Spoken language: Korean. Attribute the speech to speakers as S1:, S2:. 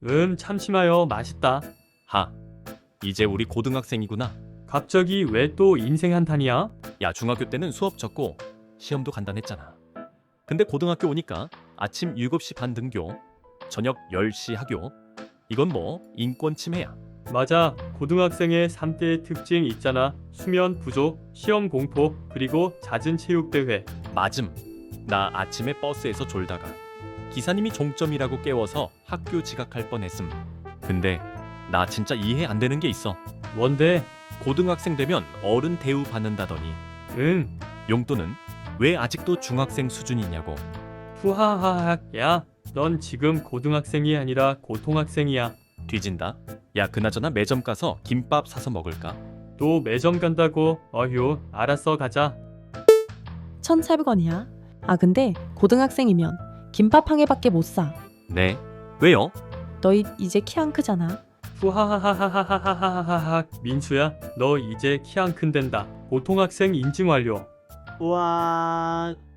S1: 참치마요. 맛있다.
S2: 하, 이제 우리 고등학생이구나.
S1: 갑자기 왜 또 인생 한탄이야?
S2: 야, 중학교 때는 수업 적고 시험도 간단했잖아. 근데 고등학교 오니까 아침 7시 반 등교, 저녁 10시 하교. 이건 뭐 인권 침해야.
S1: 맞아. 고등학생의 3대의 특징 있잖아. 수면 부족, 시험 공포, 그리고 잦은 체육대회.
S2: 맞음. 나 아침에 버스에서 졸다가 기사님이 종점이라고 깨워서 학교 지각할 뻔했음. 근데 나 진짜 이해 안 되는 게 있어.
S1: 뭔데?
S2: 고등학생 되면 어른 대우 받는다더니
S1: 응.
S2: 용돈은 왜 아직도 중학생 수준이냐고.
S1: 후하하하. 야, 넌 지금 고등학생이 아니라 고통학생이야.
S2: 뒤진다. 야, 그나저나 매점 가서 김밥 사서 먹을까?
S1: 또 매점 간다고? 어휴, 알았어, 가자.
S3: 1,400원이야. 아 근데 고등학생이면 김밥 한 개밖에 못 사.
S2: 네. 왜요?
S3: 너희 이제 키 안 크잖아.
S1: 후하하하하하하하하. 민수야, 너 이제 키 안 큰댄다. 고통학생 인증 완료.
S4: 와